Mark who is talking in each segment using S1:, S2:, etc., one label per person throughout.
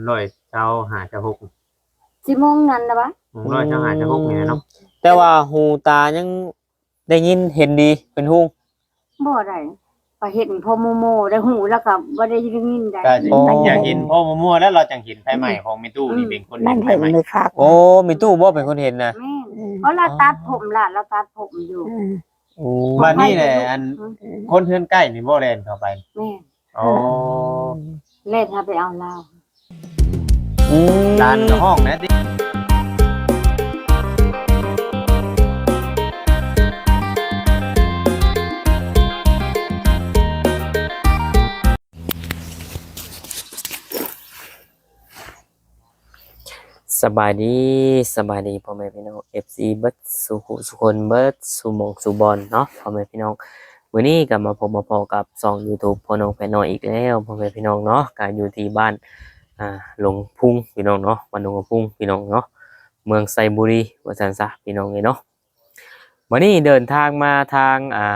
S1: ร้อยเช้าหาจะหก
S2: สิโมงนั้นนะวะ
S1: ร้อยเช้าหาจะหกนี่เนาะ
S3: แต่ว่าหูตายังได้ยินเห็นดีเป็นฮู้
S2: บ่ได้ก็เห็นพอโมได้หูแล้วก็บ่ได้ยินได้
S1: ก็อยากเห็นพ่อมั่วๆแล้วเราจังเห็นไฟใหม่ของแม่ตู้นี่เป็นคน
S4: มัน
S1: ไฟ
S4: เห็น
S1: ใหม่
S4: มือคัก
S3: โอ้มีตู้บ่เป็นคนเห็นนะ
S2: แม่เพราะเราตัดผมล่ะเราตัดผมอยู่
S3: โอ้
S1: บ้านนี้แหละอันคนเฮือนใกล้นี่บ่แล่นเข้าไป
S2: แม่
S1: อ๋อ
S2: เล่นถ้าไปเอาเหล้า
S1: ลานกับห้องนะติ
S3: สบายดีพ่อแม่พี่น้อง FC เบิดสุคนเบิดสุหมองสุบอลเนาะพ่อแม่พี่น้องวันนี้ก็มาพบมาพอกับช่อง YouTube พ่อน้องแฟนน้อยอีกแล้วพ่อแม่พี่น้องเนาะการอยู่ที่บ้านหลงพุ่งพี่น้องเนาะบ้านหลงพุ่งพี่น้องเนาะเมืองไซบุรีว่าซั่นซะพี่น้องเนาะวันนี้เดินทางมาทาง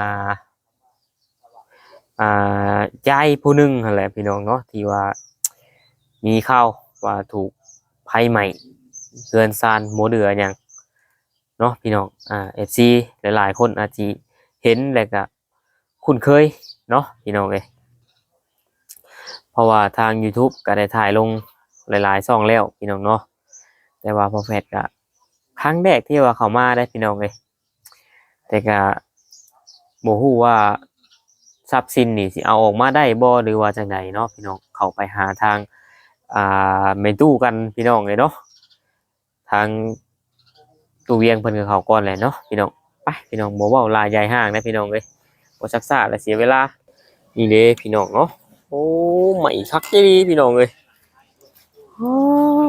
S3: ยายผู้หนึงนั่นแหละพี่น้องเนาะที่ว่ามีข่าวว่าถูกไฟไหม้เรือนซานโมเดืออย่างเนาะพี่น้องFC หลายๆคนอาจจะเห็นแล้วก็คุ้นเคยเนาะพี่น้องเอ้ยเพราะว่าทาง YouTube ก็ได้ถ่ายลงหลายๆช่องแล้วพี่น้องเนาะแต่ว่าพอแฟดก็ครั้งแรกที่ว่าเข้ามาได้พี่น้องเอ้ยแต่ก็บ่ฮู้ว่าทรัพย์สินนี่สิเอาออกมาได้บ่หรือว่าจังไดเนาะพี่น้องเข้าไปหาทางแม่ตู้กันพี่น้องเลยเนาะทางตู้เวียงเพิ่นก็เข้าก่อนแหละเนาะพี่น้องไปพี่น้องบ่เว้าลายใหญ่ห้างนะพี่น้องเอ้ยบ่ซักซ่าและเสียเวลานี่เด้พี่น้องเนาะโอ้ใหม่คักอีหลีพี่น้องเอ้ยโอ้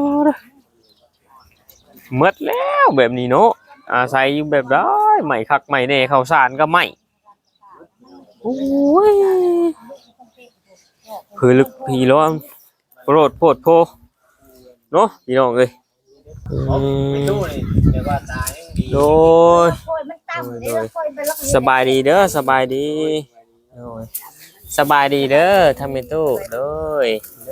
S3: หมดแล้วแบบนี้เนาะอาศัยอยู่แบบได้ใหม่คักใหม่แน่ข้าวสารก็ใหม่โอ้ยคือลึกพี่ร้อนโปรดโพดโพเนาะพี่น้องเอ้ย
S1: แม่ตู้นี่แต่ว่าตายังดี
S3: โดยสบายดีเด้อสบายดีโดยสบายดีเด้อทำเป็นตู้โดย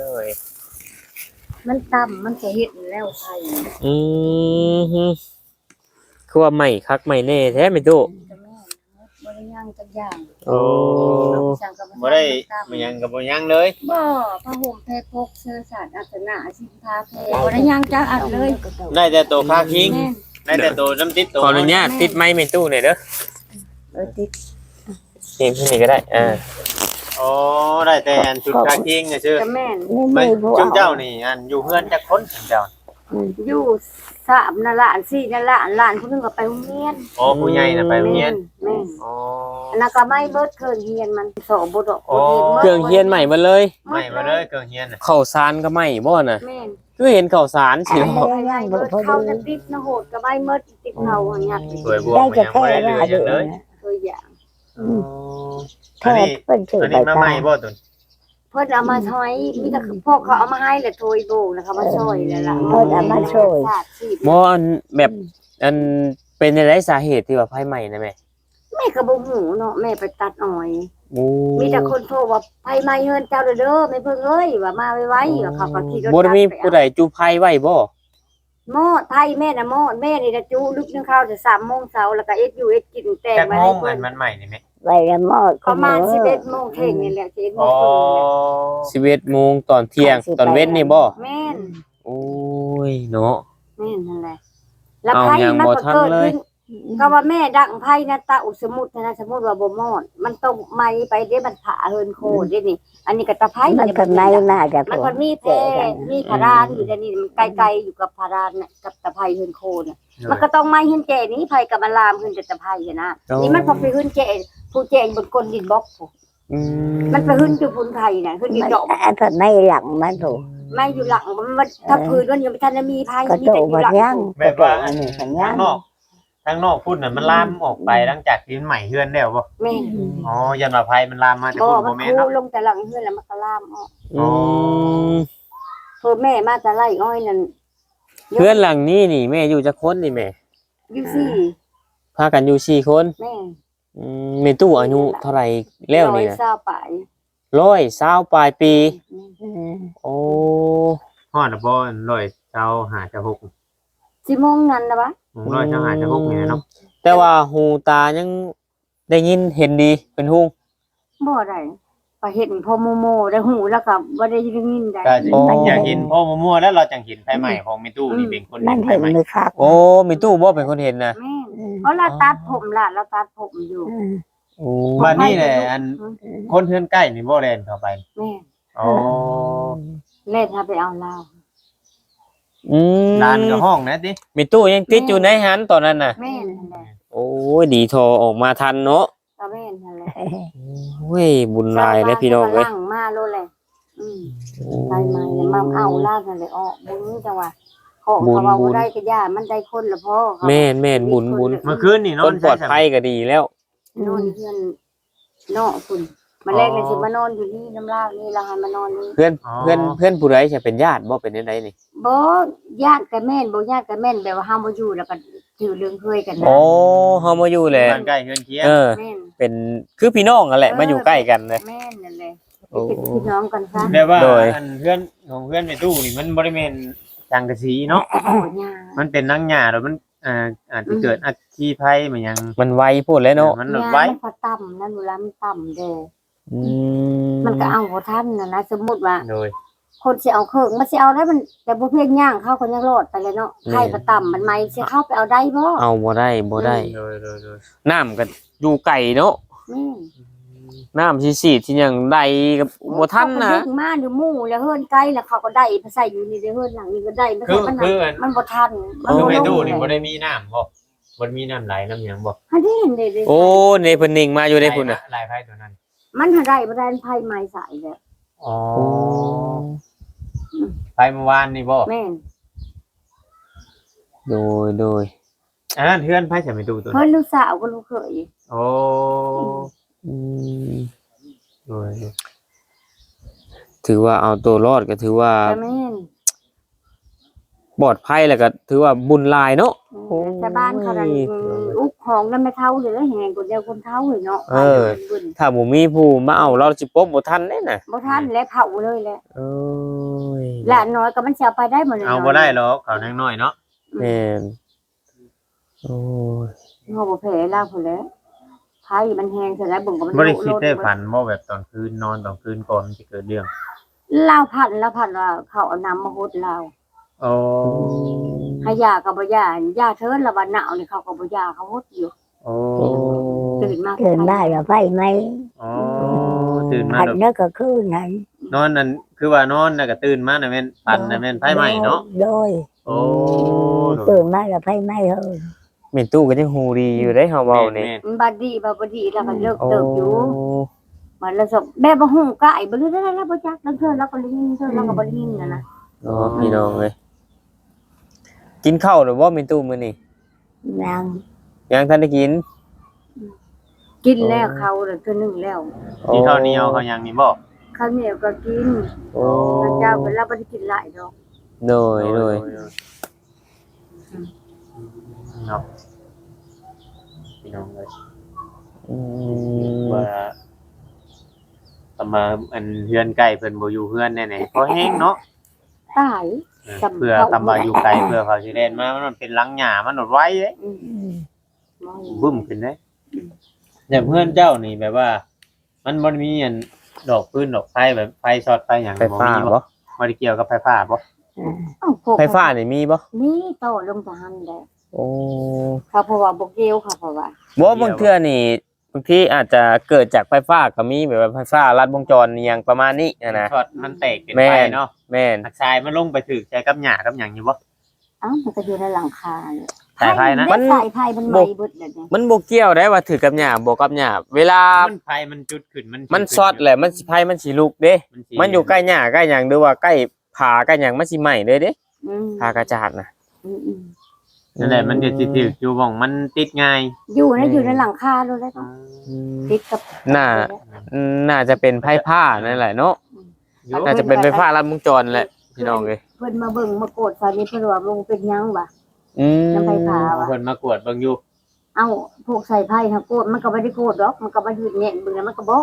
S2: มันต่ำมันจะเห็นแล้วไทย
S3: ฮึคือว่าใหม่คักใหม่แน่แท้เป็นตู้
S2: จะแม่บ่ได้ย่างจักอย่าง
S3: โอ้
S1: บ่ได้มันยังกับบ่ยังเลย
S2: บ่ผ้าห่มแพรพกเสื้อสาดอัศนะสินค้าแพรบ่ได้ย่างจักอันเลย
S1: ได้แต่ตัวคาคิง
S2: แม่
S1: ได้แต่ตัวน้ำติดตัว
S3: ขออนุญาตติดไม้เป็นตู้หน่อยเด้อ
S2: ติด
S3: นี่ที่นี่ก็ได้
S1: อ๋อได้แต่อันชุดคาคิงน่ะชื่อ
S2: จะแม่น
S1: ไม่จุเจ้านี่อันอยู่เฮือนจักคนเจ้า
S2: อยู่3นั่นล่ะ4นั่นล่ะหลานผู้นึงก็ไปโรงเรียน
S1: อ๋อผู้ใหญ่น่ะไปโรงเรียน
S2: แม่น
S1: อ๋อ
S2: อันนั้นก็ไม่เบิดเครื่องเรียนมันสอบบ่ดอก
S3: เครื่องเฮียนใหม่มาเลย
S1: ไม่มาเลยเกิงเฮียนน่ะ
S3: ข้าวสารก็ใหม่บ่น่ะ
S2: แม่น
S3: คือเห็นข้าวสารสิ
S2: ไม่
S3: เนาะ
S2: ได้เบิดเข้าจะติดนะโหดก็ไม่เบิดติดเฮาหันยัก
S1: สวยบวก
S4: ได้
S1: มัน
S4: จะ
S1: ยัง
S4: แค่
S1: บ่ได้เหลือหยัง
S4: ว่าเดือ
S1: เลย
S2: ตัวอย่าง
S4: แค่เป็นชื่อ
S1: อัน
S4: ใบ
S1: นี้มาให
S4: ตา
S1: ม่บ่ตุน
S2: เพิ่นเอามาช้อยมีแต่พวกเขาเอามาให้แหละโทยโบกนะคะมาช่วยแล้วล่ะ
S3: บ่อันแบบอันเป็นอะไรสาเหตุที่ว่าไฟไหม้นะแม่
S2: แม่ก็บ่ฮู้เนาะแม่ไปตัดอ้อย
S3: โอ้
S2: มีแต่คนโทรว่าไผไหม้เฮือนเจ้าเด้อแม่เพิ่งเอ้ยว่ามาไวๆว่าเขาก็ขี่รถ
S3: บ่ได้มีผู้ใดจุไฟไว้บ่
S2: หม้อไทยแม่น่ะหม้อแม่นี่จะจุลึกนึงข้าวจะ3 โมงเช้าแล้วก็เอ็ดอยู่เอ็ดกินแต่ง
S1: จัก
S2: ไว้
S1: โม
S2: ให้
S1: ง
S2: เพิ่
S1: อั
S2: น
S1: นมันใหม่นี่แม่
S4: ใบละมอด
S2: ประมาณ11 โมงเที่ยงนี่แหละ11 โม
S1: อ๋
S2: ง
S1: อ
S2: ครึ่งนี่แหละ
S3: 11 โมงตอนเที่ยงตอนเว้นนี่บ่
S2: แม่น
S3: โอ้ยเนาะ
S2: แม่นนั่นแหละแล้ว
S3: เอา
S2: ไผ
S3: ยัง
S2: มัน
S3: บ่
S2: ก็
S3: ทัน
S2: เกิด
S3: เลย
S2: ขึ้นก็ว่าแม่ดังไผนะตาอุสมุทนะสมมุติว่าบ่มอดมันต้องไหม้ไปเด้มันผ่าเฮินโคเด้นี่ อันนี้ก็ตะไผ
S4: มันเป็นไม้น่าจะ
S2: มันก็มีแพมีพารานอยู่เดี๋ยวนี้มันไกลๆอยู่กับพารานน่ะกับตะไผเฮินโคน่ะมันก็ต้องไหม้เฮินแจนี้ไผกับมันลามขึ้นแต่ตะไผอะนะนี่มันพอไปเฮินแจผู้แจบนก้นดินบล็อกผู้
S3: อืม
S2: มันไปเฮินอยู่พุ่นไผน่ะเฮินอยู่
S4: มัน
S2: ดอก
S4: เป็นไม้หลังมันถูก
S2: ไม่อยู่หลังมันถ้าพื้นมันยังไม่ทันจะมีไผ
S4: ก็
S2: มี
S4: โต
S2: แต่อยู่
S4: มา
S2: หลัง
S4: ย่าง
S1: แม่ว่า
S4: อันนี้กัน
S1: ทา
S4: ย่าง ง
S1: นอกทางนอกพุ่นน่ะมันลามออกไปหลังจากที่มันใหม่เฮือนแล้วบ่
S2: แม่
S1: อ๋อยันว่าไผมันลามมาจาก
S2: บ่
S1: พุ่น
S2: มั
S1: บ่
S2: น
S1: แม่
S2: คู
S1: นเนาะ
S2: ลงแต่หลังเฮือนแล้วมันก็ลามออก
S3: อืม
S2: เพิ่นแม่มาแต่ไร่อ้อยนั่น
S3: เพื่อนหลังนี้นี่แม่อยู่จักคนนี่แม่
S2: อยู่ซี่
S3: พากันอยู่4คน
S2: แม่
S3: แม่ตู้อายุเท่าไหร่แล้วนี่นะ
S2: 120ปลาย
S3: 120ปลายปีโอ้
S1: ฮอดบ่ร้อยเช้าหาจะ6
S2: สิโมงนั้นนะวะ
S1: ร้อยเช้าหาจะ6นี่เนาะ
S3: แต่ว่าหูตายังได้ยินเห็นดีเป็นฮู้
S2: บ่ได้ไปเห็นพอโมได้หูแล้วก็บ่ได้ยินได้
S1: ก็อยากเห็นพ่อมั่วๆแล้วเราจังเห็นไฟใหม่ของมิตู้นี่เป็นคน
S4: มั
S1: เห็
S4: น
S1: นไฟ
S4: เห็น
S1: ใหม่
S4: มือคัก
S3: โอ้มีตู้บ่เป็นคนเห็นนะ
S2: แม่นเพราะเราตัดผมล่ะเราตัดผมอยู่
S3: โอ้
S1: บ้านนี่แหละอันคนเทือนใกล้นี่บ่แล่นเข้าไป
S2: แม่น
S1: อ๋อ
S2: เล่นถ้าไปเอาเหล้า
S3: อืม
S1: ลานกับห้องนะติ
S3: มีตู้ยังติดอยู่ในหันตอนนั้นน่ะ
S2: แม่นนั่นแหละ
S3: โอ้ยดีโทรออกมาทันเนาะ
S2: ก็แม่นนั่นแหละ
S3: โอ้ยบุญหลายเลยพี่น้องเอ้ย
S2: ล่างมาโลดเลยไปมาเนี่ยมาเอาเหล้านั่นเลยออกบุญจังว่าของเขาว่าบ่ได้ก็ย่ามันได้คนละพ่อเขา
S3: แม่นแม่นบุญ
S1: เมื่อคืนนี่น
S3: ค
S1: อน
S3: นปลอดภัยก็ดีแล้ว
S2: นอนเพื่อนเนาะคุณมาแรกเลยสิมานอนอยู่นี่น้ำลาวนี่เราให้มานอนนี่
S3: เพื่อนผู้ใดจะเป็นญาติบ่เป็นจังไดนี่
S2: บ่ญาติกับแม่นบ่ญาติกับแม่นแบบว่าเฮาบ่อยู่แล้วก็ถือเรื่องเคยกันนะ
S3: โอ้เฮามาอยู่แหละ
S1: บ้านใกล้เฮือนเคียง
S3: เออ
S2: แม่น
S3: เป็นคือพี่น้องกันแหละมาอยู่ใกล้กันเลย
S2: แม่นนั่นแหละ
S3: โอ้
S2: เป็นพี่น้องกันซะ
S1: แต่ว่า
S3: โดย
S1: อันเพื่อนของเพื่อนมิตู้นี่มันบ่ได้แม่นจังกะสีเนาะ
S2: โอ้ยา
S1: มันเป็นนังหญ้าแล้วมันอาจจะเกิดอัคคีภัยมันยัง
S3: มันไวพูดแล้วเนาะ
S1: มัน
S2: ยา
S1: ไว้
S2: มันก็ต่ำนั่นเวลามันต่ำเด้อ
S3: อื
S2: มันก็เอาบ่ทันนะสมมุติว่า
S1: โดย
S2: คนสิเอาเครื่องมันสิเอาได้มันแต่บ่เพียงย่างเข้าก็ยังรอดไปเลยเนาะไข่ก็ต่ำมันไหมสิเข้าไปเอาได้บ่
S3: เอาบ่ได้บ่ได้
S1: โดยโดย
S3: น้ำก็อยู่ไกลเนาะ
S2: แม่น
S3: น้ำสิที่หยังใดกับบ่ทันนะ
S2: เขาก็ดึงมาอยู่หมู่แล้วเฮือนไกลแล้วเขาก็ได้ไปใส่อยู่นี่เด้อเฮือนหลังนี้ก็ได้ไม่
S1: คือ
S2: ใช่มัน
S1: คือ
S2: มันบ่ทัน
S1: คือ
S2: บ่
S1: มิ
S2: ลง
S1: ตู้นี่
S2: เลย
S1: บ่ได้มีน้ำบ่บ่มีน้ำไหลน้ำหยังบ่
S2: อันนี้เห็นเด้ๆ
S3: โอ้ในเพิ่นนิ่งมาอยู่ในพุ่นน่ะ
S1: ลายไพ่ตัวนั้น
S2: มันหาได้บ่ได้ไผไม้สายแล้ว
S1: อ๋อไปเมื่อวานนี่บ่
S2: แม่น
S3: โดย
S1: อันนั้นเพื่อนไพ่ใส่มิตู้ตัว
S2: เพิ่
S1: นั้น
S2: นลูกสาวก็ลูกเขย
S1: โอ้
S3: อืม
S1: โดย
S3: ถือว่าเอาตัวรอดก็ถือว่า
S2: แต่แม่น
S3: ปลอดภัยแล้วก็ถือว่าบุญหลายเนาะ
S2: แต่บ้านเขานั่นอุกของแล้วไม่เท่าเลยแหงคนเดียวคนเท่าเลยเนาะ
S3: ถ้าบ่มีผู้มาเอาเราสิปบบ่ทันเด้น่ะ
S2: บ่ทันแล้วเผาเลยแหละ
S3: โอ้ย
S2: หลานน้อยก็มันสิเอาไปได้หมดเลย
S1: เอาบ่ได้หรอกเขาวน้อยๆเนาะ
S3: แม่นโอ้ย
S2: เฮาบ่แพ้ลาวพุ่นแล้วไผมันแหงเสร็จแล้วเบิ่งก็มัน
S1: บ่ได้คิดได้ฝันบ่แบบตอนคืนนอนตอนคืนก่อนมันจะเกิดเรื่อง
S2: ลาวพันว่าเขาเอาน้ำมาฮดลาว
S1: โอ้
S2: ให้ยาก็บ่ยายาเทินละวันหนาวนี่เขาก็บ่ยาเขาฮดอยู่
S1: โอ้
S3: โอ้
S2: ตื่นมา
S4: เกินมาแล้วไฟไหม
S1: อ๋อตื่นมา
S4: อัน
S1: แบบ
S4: นั้นก็คือนั้น
S1: นอนนั่นคือว่านอนน่ะก็ตื่นมาน่ะแม่นปันน่ะแม่นไฟไหม้เนาะ
S4: โดย
S1: โอ้
S4: ตื่นมาแล้วไฟไหม้เฮ้ย
S3: แม่ตู้ก็ยังฮู้ดีอยู่ได้เฮาเว้านี่
S1: แม่น
S2: มันบ่ดีแล้วก็เลิก
S3: โอ้
S2: เติบอยู่มันละสบแม่บ่ฮู้กะไอ้บ่รู้ได้แล้วบ่จักแล้วเทินแล้วก็ลิ้นเทินแล้วก็บ่ลิ้นนะ
S3: อ๋อพี่น้องเอ้ยกินข้าวหรือบ่แม่ตู้มื้อนี้
S4: นาง
S3: ยังทันได้กิน
S2: กินแล้วเขาแล้วตัวนึงแล้ว
S1: ที่ข้าวเหนียวเขายังนี่บ่
S2: ข้าวเหนียวก็กิน
S3: โอ้
S2: พระเจ้าเป็นเราบ่ได้กินหลายดอก
S3: โดย
S1: เนาะพี่น้องเลย
S3: อืม
S1: ว่าประมาณอันเฮือนใกล้เพิ่นบ่อยู่เฮือนแน่ๆพอแห้งเนาะ
S2: ตาย
S1: เพื่อคำว่าอยู่ไกลเพื่อเขาสิเล่นมามันเป็นหลังหญ้ามันหนดไว้เด้
S2: อืม
S1: บึ้มขึ้นเด้แต่เพื่อนเจ้านี่แบบว่า มันบ่ได้มีอันดอกปืนดอกไฟแบบไฟช็อตไฟหยัง
S3: ไฟฟ้า
S1: มี
S3: บ่
S1: บ่ได้เกี่ยวกับไฟฟ้าบ่
S3: ไฟฟ้านี่มีบ่
S2: นี่โตลงทหารได้
S3: โอ้
S2: เขาเพราะว่าบ่เกี่ยวค่ะเพราะว่า
S3: บ่บางเทื่อนี่บางทีอาจจะเกิดจากไฟฟ้าก็มีแบบว่าไฟฟ้าลัดวงจรอหยังประมาณนี้นะ
S1: ช็อตมันแตกเป็น
S3: แม่
S1: ไฟ
S3: น
S1: เนาะ
S3: แม่น
S1: หักทรายมันลงไปถึกใจกับหญ้ากับหยังอยู่บ่
S2: อ้าวมันก็อยู่ในหลังคาเนี่ย
S1: สายไฟนะ
S2: มันสายไฟมันไหม้เบิดแล้วเนี่ย
S3: มันบ่เกี่ยวได้ว่าถือกับหญ้าบ่กับหญ้าเวลา
S1: มันไฟมันจุดขึ้นมัน
S3: มันช็อตแหละมันสิไฟมันสิลุกเด้
S1: สิ
S3: มันอยู่ใกล้หญ้าใกล้หยังหรือว่าใกล้ผาใกล้หยังมันสิไหม้เลยเด้
S2: อืม
S3: ผากระจาดน่ะ
S2: อืม
S1: นั่นแหละมันจะสิถึกอยู่บ่องมันติดง่าย
S2: อยู่ในหลังคาเลยแล้วติดกับ
S3: น่าจะเป็นไฟฟ้านั่นแหละเนาะ
S1: อยู่
S3: น่าจะเป็นไฟฟ้าลัดวงจรแหละพี่น้องเอ้ย
S2: เพิ่นมาเบิ่งมาโกดตอนนี้เพิ่นว่าลงเป็นหยังวะ
S3: อืม
S2: น้ำไฟฟ้า
S1: เพิ่นมากวดเบิ่งอยู่
S2: เอ้าพวกใส่ไพ่ถ้าโกดมันก็บ่ได้โกดดอกมันก็บ่ยืดแน่นเบิ่งแล้วมันก็บ่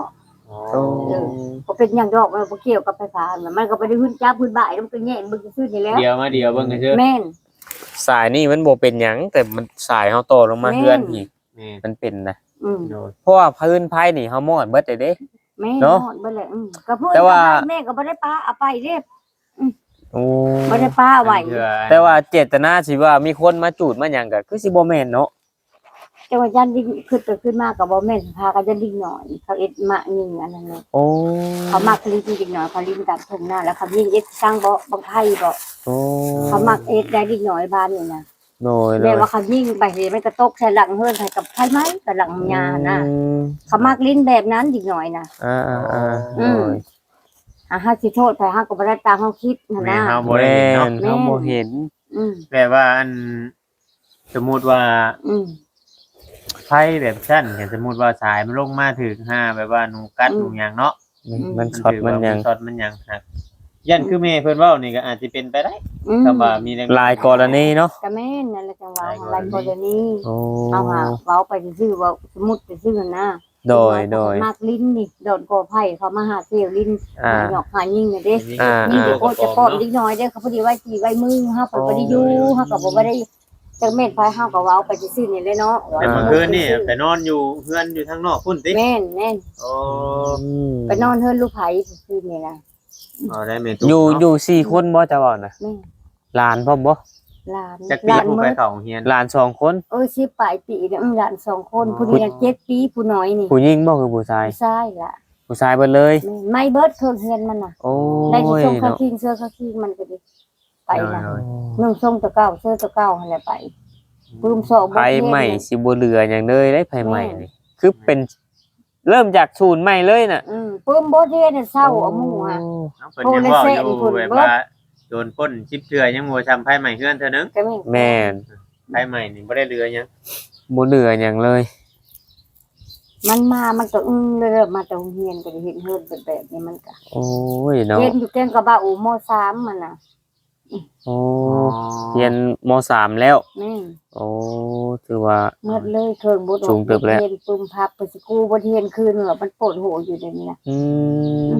S1: โอ้
S2: ก็เป็นอย่างดอกมันบ่เกี่ยวกับไฟฟ้ามันก็บ่ได้ขึ้นจับขึ้นบ่ายมันก็แย่งมึงซื่อนี่แหล้ว
S1: เดี๋ยวเบิ่งกันเถอะ
S2: แม่น
S3: สายนี่มันบ่เป็นหยังแต่มันสายเฮาต่อลงมา
S2: แม่น
S3: เฮือนอีก
S1: แม่น
S3: มันเป็นนะ
S1: โดย
S3: เพราะว่าพื้นไผนี่เฮามอดเบิดได้เด้
S2: แม่
S3: เนาะ
S2: นอนเบ่แหละก็พูด
S3: แต่ว่า
S2: แม่ก็บ่ได้ป้าเอาไปเด้
S3: โอ้
S2: บ่ได้ป้าไว้
S3: แต่ว่าเจตนาสิว่ามีคนมาจูดมาหยังก็คือสิบ่แม่นเนาะ
S2: แต่ว่ายันดิ้งขึ้นมาก็บ่แม่นพากันยันดิ้งหน่อยเขาเอ็ดมะยิงอันนั้นเลย
S3: โอ้
S2: เขามักลิ้นดิ้งหน่อยเขาลิ้นตัดทุ่งหน้าแล้วเขายิงเอ็ดสร้างบ่บังไผบ่
S3: โอ้
S2: เขามักเอ็ดได้ดิ้งหน่อยบ้านนี่นะ
S3: โดย
S2: แม่ว่าเขายิงไปสิมันก็ตกใส่หลังเฮือนใส่กับไผไหมกับหลังยานะ
S3: อืม
S2: เขามักลิ้นแบบนั้นดิ้งหน่อยนะ
S3: อ่า
S2: อืม เฮาสิโทษไผเฮาก็บ่ได้ตามเฮาคิดนั่น
S1: แม่
S2: นะ
S1: เฮา
S3: ๆ
S1: บ่ได้เห็นเนาะ
S3: เฮาบ่เห็น
S2: อืม
S1: แบบว่าอันสมมุติว่า
S2: อืม
S1: ไฟแบบชั้นสมมุติว่าสายมันลงมาถึง5แบบว่าหนูกัดหนูหยังเนาะ
S3: มันช็อตมันหยัง
S1: ช็อตมันหยังครับยันคือแม่เพิ่นเว้านี่ก็อาจสิเป็นไปได้
S2: อืม
S1: ถ้าว่ามีแรง
S3: หลายกรณีเนาะ
S2: ก็แม่นนั่นแหละจังว่าหลายกรณี
S3: โอ้
S2: เอาหาเว้าไปซื่อๆว่าสมมุติซื่อๆนะ
S3: โดย
S2: มากลิ้นนี่โดนกอไผ่เขามาหาเสี่ยวลิ้น
S3: อ่า
S2: หยอกหายิ่งน่ะเด้
S3: อ่า
S2: นี่เดี๋ยวโคจะป้อนนิดหน่อยเด้อเขาพอดีไว้ทีไว้มือเฮาก็บ่ได้อยู่เฮาก็บ่ได้จังแม่นไผเฮาก็เว้าไปซื่อๆนี่เลยเนาะ
S1: แต่เมื่อคืนนี่ไปนอนอยู่เฮือนอยู่ทางนอกพุ่นติ
S2: แม่นแม่น
S1: โอ้
S2: ไปนอนเฮือนลูกไผซื่อๆนี่นะ
S1: เอาได้แม่
S3: อยู่4คนบ่จะเว้าน่ะ
S2: แม่น
S3: หลานพร้อมบ่
S2: หลาน
S1: จัก
S2: ห
S1: ปี
S2: ลาน
S1: ผู้
S2: มื้
S1: ไป
S2: อ
S1: เข้าโรงเรียน
S3: หลาน2คน
S2: สิปลายปีเนี่ยหลาน2คนผู้นี้7ปีผู้น้อยนี่
S3: ผู้หญิงบ่คือผู้ชาย
S2: ผู้ชายล่ะ
S3: ผู้ชายเบิดเลย
S2: แม่นไม่เบิดเครื่องเฮือนมันน่ะ
S3: โอ้
S2: ได้ที่
S3: ย
S2: ส่งเขา
S3: เนาะ
S2: คิงเสื้อเขาคิงมันก็ดิไปนะ
S1: โดย
S2: นุ่งทรงตะเก้าเสื้อตะเก้าอะไรไปปืมโซบ
S3: ไฟใหม่สิบ่เหลือหยังเลยได้ไฟใหม่นี่คือเป็นเริ่มจากศูนย์ใหม่เลยน่ะ
S2: ปืมโบเทเนี่ยเศร้าเอาหมู่อ่ะ
S1: เอาเพิ่นยังเว้าอยู่แบบว่าโดนปล้น10เทื่อยังบ่ทำไผใหม่เฮือนเทื่อนึง
S2: ก็ไม่
S3: แม่น
S1: ไผใหม่นี่บ่ได้เรือหยัง
S3: บ่เหลือหยังเลย
S2: มันมามันก็เลยมาตรงเฮียนก็เห็นเฮือนเป็นแบบนี้มันก็
S3: โอ้ยเนาะ
S2: เรียนอยู่แกงกระบะอูม3มันน่ะ
S3: โอ้เรียนม.3 แล้ว
S2: แม่
S3: โอ้ถือว่า
S2: เมื่อเลยเครื่องบุตร
S3: สูงเติบแล้ว
S2: เรียนปืมพับไปสกูบ่เทียนคืนมันปวดหัวอยู่ในนี้นะ
S3: อืม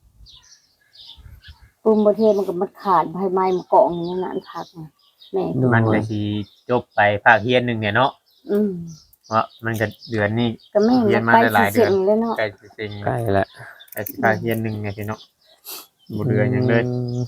S2: ปืมบ่เทียนมันก็มันขาดภายไม้มันเกาะอย่างนั้นน่ะอันพักน่ะแม่
S1: มันก็สิจบไปภาคเรียนหนึงเนี่ยเนาะ
S2: อืม
S1: เพราะมันก็เดือนนี้
S2: ก็แม่
S1: เรียนมา
S2: ไป
S1: ได้หลายเดื
S2: เสี
S1: อย น
S2: งเลยเนาะ
S1: ใกล้สิเซ็ง
S3: ใกล้ละ
S1: ใกล้สิภาคเรียนหนึงเนี่ยพี่เนาะบ่เดือนหยังเลย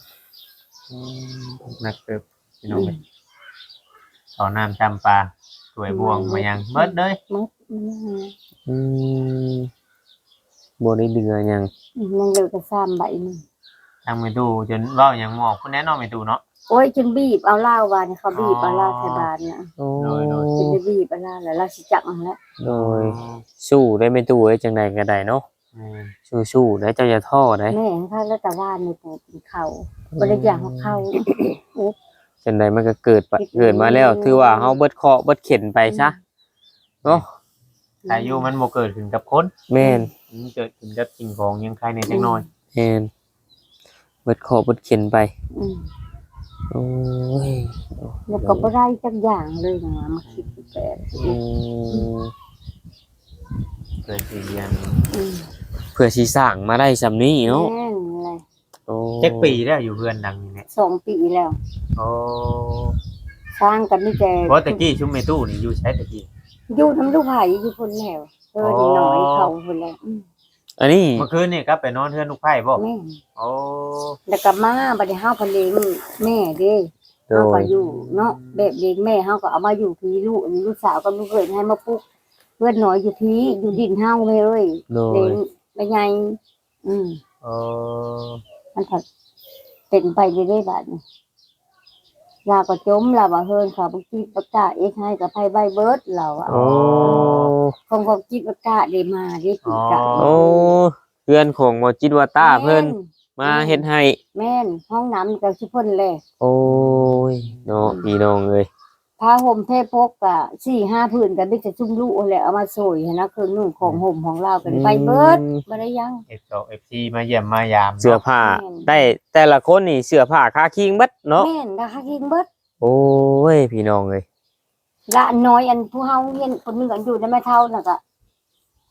S1: นักเติบพี่น้องเอ้ยเอาน้ำจำปลาสวยบวงมายังเบิดเลย
S2: มัน
S3: อืมบ่ได้เหลือหยัง
S2: มันเลยก็3ใบนึง
S1: ทางไปดูจนเว้าหยังหมอกคุณแน่นอนไปดูเนาะ
S2: โอ้ยจนบีบเอาเหล้าวานเขาบีบเอาเหล้าใส่บานน่ะ
S3: โอ้
S1: โดย
S2: จนได้บีบเอาเหล้าแล้วเราสิจักมันแล้ว
S3: โดยสู้ได้ไม่ตู้เอ้ยจังไดก็ได้เนาะสู้ๆได้เจ้าอย่าท้อได้
S2: แม่ถ้าแล้วแต่ว่าในปูกินข้าวบ่ได้อยากเอาเข้า
S3: จังไดมันก็เกิดมาแล้ว ถือว่าเฮาเบิดเคราะห์เบิดเข็นไปซะเนาะ
S1: แต่อยู่มันบ่เกิดขึ้นกับคน
S3: แม่น
S1: มันเกิดขึ้นกับสิ่งของยังใครในจังน้อย
S3: แม่นเบิดเคราะห์เบิดเข็นไป
S2: อืม
S3: โอ้ย
S2: แล้วก็บ่ได้จักอย่างเลยนะมาคิดแปลก
S3: อืม
S1: เกิดสิเรียน
S2: อืม
S3: เพื่อสิสร้างมาได้ซำนี้เนาะ
S2: แม่นเลย
S3: โอ้
S1: จักปีแล้วอยู่เพื่อนดังนี่แหละ
S2: 2 ปีแล้ว
S1: โอ้
S2: สร้างกันนี่แต่
S1: เพราะตะกี้ชุมเมตู้นี่อยู่ใช้ตะกี้
S2: อยู่น้ำลูกไผอยู่พุ่นแล้วนี่น้อยเขาพุ่นแล้ว
S3: อันนี้
S1: เมื่อคืนนี่ครับไปนอนเทือนลูกไผ่บ่
S2: แม่น
S1: โอ้
S2: แล้วก็มาบัดนี้เฮาพะเลงแม่เด้
S3: โด
S2: เฮาก็
S3: ย
S2: อยู่เนาะแบบเลี้ยงแม่เฮาก็เอามาอยู่พี่ลูกสาวกับลูกเขยให้มาปลูกเพื่อนน้อยอยู่พี่อยู่ดินเฮาแม่เอ้ย
S3: โด
S2: เลี้ย
S3: ย
S2: งไปไงอืม
S1: โอ้
S2: มันผัดเป็นไปเรื่อยๆบาดนี้ลาก็จมลาบ่เฮินค่ะบ่คิดประกาศเอ็กให้กับไผใบเบิดเราอ่ะ
S3: โอ้
S2: คงคิดประกาศได้มาได้ปีกะ
S3: โอ้เพื่อนของหมอจิตวาต้าเพิ่นมาเฮ็ดให้
S2: แม่นห้องน้ำก็สิเพิ่นแล
S3: โอ้ยเนาะพี่น้องเอ้ย
S2: ผ้าห่มเทพกก็4-5ผืนก็มีแต่จุ่มลูกแหละเอามาโซยหั้นนะคือนุ่งของห่มของเราก็ได้ไปเบิดบ่ได้ยัง
S1: F2 FC มาเยี่ยมมายาม
S3: เสื้อผ้าได้แต่ละคนนี่เสื้อผ้าคาคิงเบิดเนาะ
S2: แม่นราคากินเบิด
S3: โอ้ยพี่น้องเอ้ย
S2: ละน้อยอันผู้เฮาเรียนคนหนึงก็อยู่ในแม่เฒ่าน่ะก็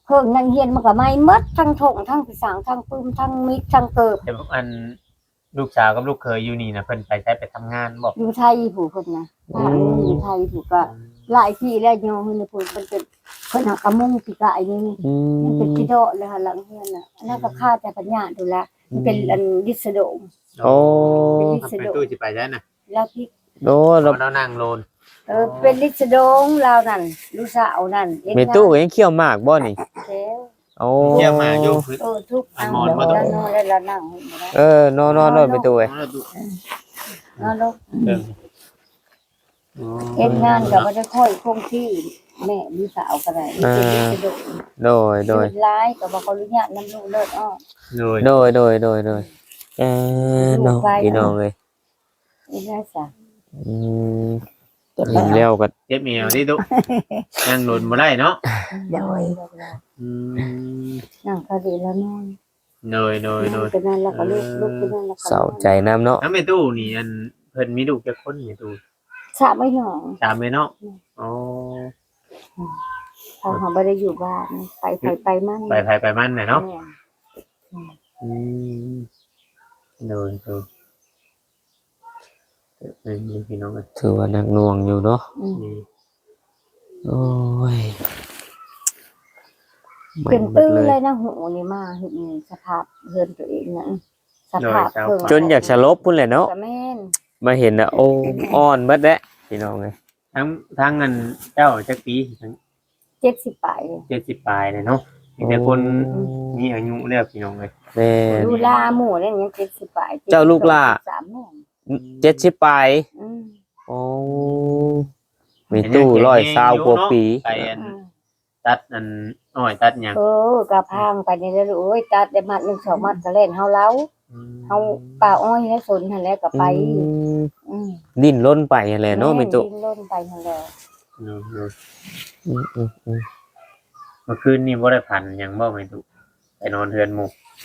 S2: เพิ่งนั่งเฮียนมันก็ไหม้หมดทั้งถงทั้งสางทั้งปื้มทั้งมิดทั้งเกิบ
S1: แต่อันลูกสาวกับลูกเคยอยู่นี่นะเพิ่นไปใช้ไปทำงานบ่
S2: อยู่ไทยผู้เพิ่นนะถ้าอยู่ไทยผู้ก็หลายที่แล้วโยมเพิ่นเพิ่นเป็นเพิ่นหากระมุงปีกายนี่
S3: อื
S2: มันเป็น
S3: ม
S2: กิโดเลยค่ะหลังเฮียนน่ะอันนั้นก็ค่าแต่ปัญญาดูแลมันเป็นอันดิสโดม
S3: โอ้
S1: ไปตู้สิไปได้น่ะ
S2: แล้วพี่
S3: โดเรา
S1: เรานั่งโลน
S2: เป็นดิสโดงลาวนั่นลูกสาวนั่น
S3: เมตู้ก็ยังเคี่ยวหมากบ่นี่
S2: แล้ว
S3: โอ้
S1: เที่ยวมาอยู่พื้น
S2: ทุกอันแล้วนอนแล้วนั่ง
S3: เออนอนเมตู้เอ้ย
S2: นอนแล้ว
S1: เออ
S2: เฮ็ดงานก็บ่ได้ค่อยคงที่แม่ลูกสาวก็ได้เป็นดิสโดง
S3: โดย
S2: ร้ายก็บ่ขออนุญาตนำลูกเลิศอ้อ
S1: โดย
S3: โดยเนาะพี่น้องเอ้ย
S2: นี่น่าจะ
S3: อืมเห็นแล้วก็
S1: เจ็บเมียวนี่ตุ๊นั่งโลนบ่ได้เนาะ
S4: โดย
S2: นั่งพอดีแล้วนอน
S1: โดย
S2: เป็นนั่นแล้วก็ลูกเป็นนั่นแล้วก็
S3: เศร้าใจน้ำเนาะ
S1: แล้วแม่ตู้นี่อันเพิ่นมีลูกจักคนแม่ตู้
S2: สระไม่หนอง
S1: ตามแม่เนาะอ๋อ
S2: เขาหาบ่ได้อยู่บ้านไปมั่น
S1: ไปมันน่ะเนาะ
S2: แม่
S1: อืมโดยนี่พี่น้องเอ้ย
S3: ถือว่าหนักหน่วงอยู่เนาะ
S1: นี่
S3: โอ้ย
S2: เป็นตื้อเลยนะหูนี่มาเห็นสภาพเฮือนตัวเองนะสภาพเพิ่ง
S3: จนอยากสลบพุ่นแหละเนาะ
S2: แต่แม่น
S3: มาเห็นน่ะโอ้อ่อนเบิดแล้วพี่น้องเอ้ย
S1: ทั้งอันเจ้าจักปีทั้ง
S2: 70ปลาย
S1: 70ปลายเลยเนาะมีแต่คนมีอายุแล้วพี่น้องเอ้ย
S3: แม่น
S2: ลูลาหมู่นั่นยัง70ปลาย
S3: เจ้าลูกล่า
S2: 3แม่น
S3: 70ปลาย
S2: อืม
S3: โอ้มีตู้120กว่าปี
S1: ไปอันตัดอันอ้อยตัดหยัง
S2: กะพังไปนี่แล้วโอ้ยตัดได้มัด1 2มัดก็เล่นเฮาเล้าเฮาป่าอ้อยแล้วสนหั่นแหละก็ไป อืม
S3: ดิ้นรนไปนั่นแหละเนาะมีตู้
S2: ดิ้นรนไปหั่นแหละ
S3: อืม
S1: เมื่อคืนนี่บ่ได้พันหยังบ่แม่ตุไปนอนเทือนหมู่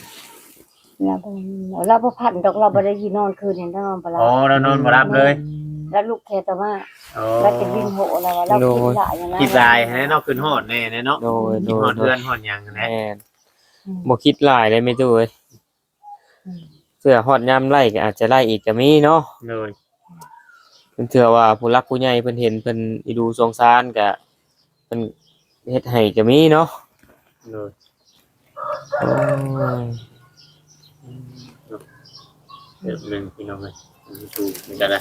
S2: เราบ่พันดอกเราบ่ได้ยินนอนคืนนี่นอนบ่หลั
S1: อ๋อบ เรานอนบ่รับเลย
S2: แล้วลูกแค่แต่ว่า
S1: อ๋อ
S2: เราจะดิ้นโหแล้วเราคิดหลายอย่างนั้น
S1: คิดลายให้เนาะขึ้นฮอดแน่เนาะ
S3: โดย
S1: คิดฮอดเทือนฮอดหยังนะ
S3: แม่นบ่คิดหลายเลยมีตู้เอ้ยเสื้อฮอดยามไล่ก็อาจจะไล่อีกก็มีเนาะ
S1: เลย
S3: เพิ่นเถื่อว่าผู้รักผู้ใหญ่เพิ่นเห็นเพิ่นอีดูสงสารก็เพิ่นเฮ็ดให้ก็มีเนาะ
S1: เลย
S3: โอ้ย
S1: เดี๋ยวนึงพี่น้องเอ้ยดูนี่ก็ได้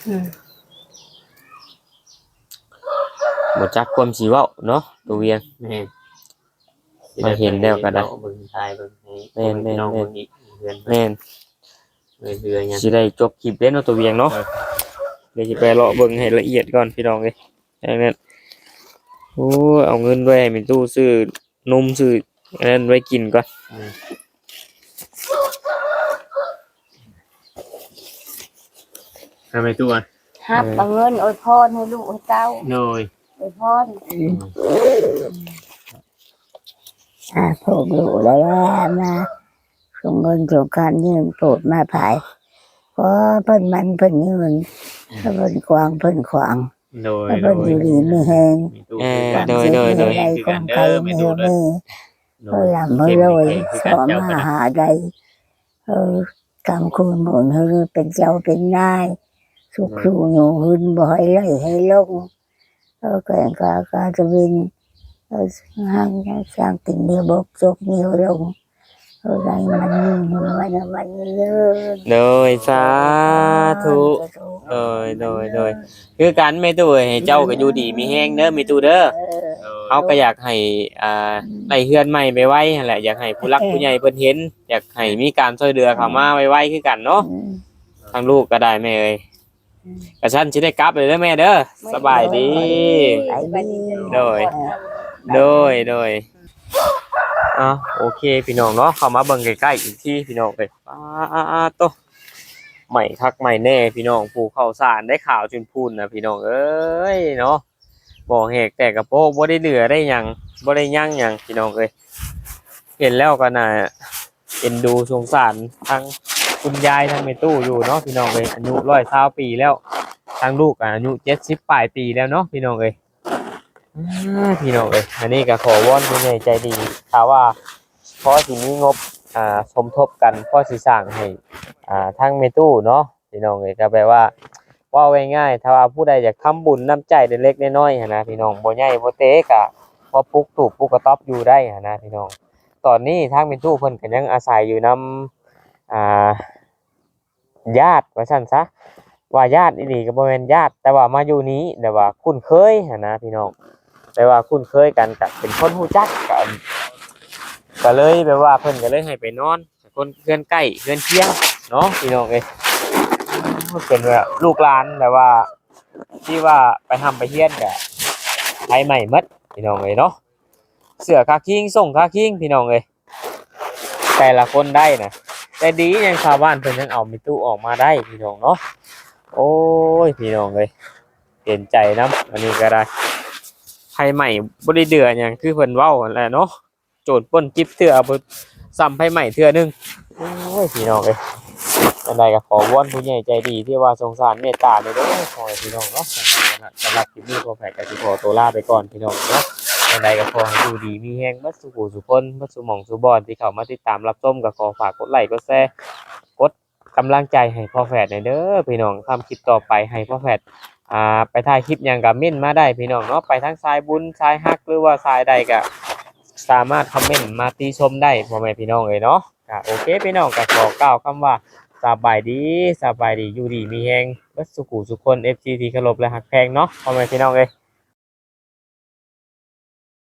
S3: บ่จักความสิเว้าเนาะตัวเวียง
S1: แม่น
S3: มาเห็นแล้วก็ได้
S1: เบิ่งทายเบิ่งให้
S3: แม่น
S1: พี่น้องเบิ่งอีกเดือน
S3: แม่น
S1: เดือนหยัง
S3: สิได้จบคลิปเด้เนาะตัวเวียงเนาะเดี๋ยวสิไปเลาะเบิ่งให้ละเอียดก่อนพี่น้องเอ้ยอย่างนั้นโอ้ยเอาเงินไว้ให้มีตู้ซื้อนมซื้ออันนั้นไว้กินก่อน
S1: ทำไมตัว
S2: ฮับเอาเงินอวยพรให้ลูกให้เต้า
S1: เลย
S2: อวยพร
S4: พวกลูกแล้วมาส่งเงินส่งการยืมโปรดมาภายเพราะเพิ่นมันเพิ่นยืนเพิ่นกวางเพิ่นขวาง
S1: โดย
S4: เพิ่นอยู่ดีไม่แหง
S1: มีตู้
S3: โดย
S4: อะไรของใครไม่เฮมีเพิ่นลำเพิ่นรวยสอมาหาใดกำคูณหมุนเฮเป็นเจ้าเป็นนายสุขสู่อยู่หืนบ่ให้ไล่ให้ลงแก่งกาจะวินห้างสร้างติ่งเดียวบกจกเดียวลงอะไรมันเยอะ
S3: โดยสาธุโดยคือกันแม่ตู้เอ้ยให้เจ้าก็อยู่ดีมีแฮงเด้อมีตู้เด้อเฮาก็อยากให้ได้เฮือนใหม่ไปไว้นั่นแหละอยากให้ผู้รักผู้ใหญ่เพิ่นเห็นอยากให้มีการช่วยเหลือเข้ามาไว้คือกันเนาะทางลูกก็ได้แม่เอ้ยกระชั้นสิได้กลับเลยเด้อแม่เด้อสบายดี โดยโอเคพี่น้องเนาะเข้ามาเบิ่งใกล้ๆอีกที่พี่น้องเอ้ยโตใหม่คักใหม่แน่พี่น้องผู้เข้าสารได้ข่าวจนพูนนะพี่น้องเอ้ยเนาะบ่แหกแต่กระโปงบ่ได้เหลือได้หยังบ่ได้ยั่งหยังพี่น้องเอ้ยเห็นแล้วก็น่าเอ็นดูสงสารทั้งคุณยายทั้งแม่ตู้อยู่เนาะพี่น้องเอ้ยอายุ120ปีแล้วทั้งลูกอายุ70ปลายปีแล้วเนาะพี่น้องเอ้ยพี่น้องเอ้ยอันนี้ก็ขอวอนผู้ใหญ่ใจดีถ้าว่าพอสิมีงบสมทบกันพอสิสร้างให้ทางเมตู้เนาะพี่น้องเอ้ยก็แปลว่าเว้าง่ายๆถ้าว่าผู้ใดอยากทำบุญน้ำใจเล็กๆน้อยๆหั้นนะพี่น้องบ่ใหญ่บ่เตะก็พอปลุกตูบปลุกกระต๊อบอยู่ได้หั้นนะพี่น้องตอนนี้ทางเมตู้เพิ่นก็ยังอาศัยอยู่นำญาติว่าซั่นซะว่าญาติอีหลีก็บ่แม่นญาติแต่ว่ามาอยู่นี้แต่ว่าคุ้นเคยหั้นนะพี่น้องแต่ว่าคุ้นเคยกันก็เป็นคนรู้จักกันก็เลยแบบว่าเพิ่นก็เลยให้ไปนอนคนเพื่อนใกล้เพื่อนเคียงเนาะพี่น้องเอ้ยเป็นแบบลูกหลานแบบว่าที่ว่าไปทำไปเฮียนก็ไผใหม่หมดพี่น้องเอ้ยเนาะเสื้อคาคิงส่งคาคิงพี่น้องเอ้ยแต่ละคนได้นะแต่ดียังชาวบ้านเพิ่นยังเอามีตู้ออกมาได้พี่น้องเนาะโอ้ยพี่น้องเอ้ยเปลี่ยนใจนำอันนี้ก็ได้ไผใหม่บ่ได้เดือหยังคือเพิ่นเว้านั่นแหละเนาะโจรปล้นจิบเทื่อบ่ซ้ำไผใหม่เทื่อนึงโอ้ยพี่น้องเอ้ยอันใดก็ขอวอนผู้ใหญ่ใจดีที่ว่าสงสารเมตตาเด้อขอให้พี่น้องเนาะสำหรับคลิปนี้ก็แฝกก็สิขอตัวลาไปก่อนพี่น้องเนาะอันใดก็ขอให้อยู่ดีมีแรงเบิดสุขสุขคนเบิดสุหม่องสุบอนที่เข้ามาติดตามรับชมก็ขอฝากกดไลค์กดแชร์กดกำลังใจให้พ่อแฝดหน่อยเด้อพี่น้องทำคลิปต่อไปให้พ่อแฝดไปถ่ายคลิปหยังก็เม่นมาได้พี่น้องเนาะไปทั้งสายบุญสายฮักหรือว่าสายใดก็สามารถคอมเมนต์มาติชมได้พ่อแม่พี่น้องเอ้ยเนาะก็โอเคพี่น้องก็ขอกล่าวคำว่าสบายดีอยู่ดีมีแฮงเบิดสุขสุขคน FG ที่เคารพและฮักแพงเนาะพ่อแม่พี่น้องเอ้ย